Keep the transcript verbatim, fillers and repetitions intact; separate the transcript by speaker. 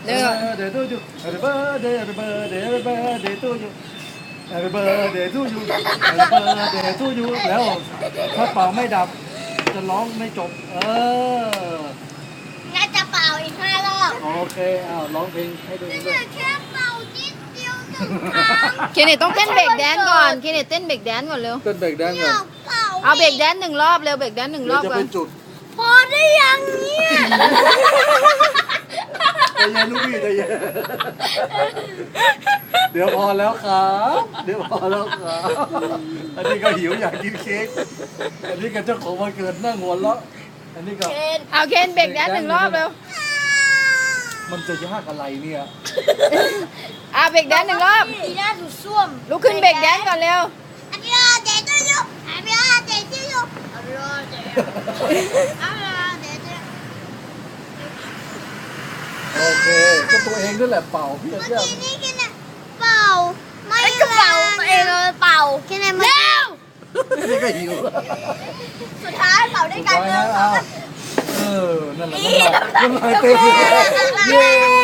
Speaker 1: เด้อ
Speaker 2: Happy birthday to you Happy birthday Happy birthday Happy birthday to you Happy birthday to you Happy birthday to you แล้วถ้าเป่าไม่ดับจะร้องไม่จบเออ
Speaker 3: น่าจะเป่าอีกห้ารอบ
Speaker 2: โอเคอ้าวร้องเพลงให้ดูด้วย
Speaker 3: แค่เป่านิดเดียวหนึ่งครั้ง
Speaker 1: เคนเนตต้องเต้นเบรกแดนซ์ก่อนเคนเนตเต้นเบรกแดนซ์ก่อนเร็ว
Speaker 2: เต้นเบรกแดนซ์
Speaker 3: อ
Speaker 2: ก่อน
Speaker 3: ยากเป่า
Speaker 1: เอาเบรกแดนซ์หนึ่งรอบเร็วเบรกแดนซ์หนึ่งร
Speaker 2: เดี๋ย
Speaker 1: อ
Speaker 2: ว
Speaker 1: บ
Speaker 2: จะ
Speaker 1: ก่อ
Speaker 2: เป็น นจุด
Speaker 3: พอได้ยังเนี่ย
Speaker 2: ใจเย็นลูกพี่ใจเย็นเดี๋ยวพอแล้วครับเดี๋ยวพอแล้วครับอันนี้ก็หิวอยากกินเค้กอันนี้ก็เจ้าของวันเกิดนั่งหัวเราะอันนี้ก็
Speaker 3: เคน
Speaker 1: เอาเคนเบรกแดนซ์หนึ่งรอบเร็ว
Speaker 2: มันจะยากอะไรเนี่ย
Speaker 1: อ่ะเบรกแดนซ์หนึ่งรอบ
Speaker 3: อีน่าสุดส้วม
Speaker 1: ลุกขึ้นเบรกแดนซ์ก่อนเร็ว
Speaker 3: อันนี้เดทด้วยลูกอันนี้เดทด้วยลูกอันนี้เดทอันนี้เดท
Speaker 2: โอเคก็ตัวเองนั่นแหละเป่าพี่
Speaker 3: เมื่อ
Speaker 2: เจ้า
Speaker 3: กี้นี่กินอะเป่าไม่ก็เป่าเองเลยเป่ากินอะไรมาเร็ว
Speaker 2: นี่ก็หิว
Speaker 3: สุดท้ายเป่าด้วยกัน
Speaker 2: ไป
Speaker 3: เร็
Speaker 2: นะ
Speaker 3: ว
Speaker 2: เอาเออนั่นแหละน้ำลายน้ำลายเต็มเลยเย้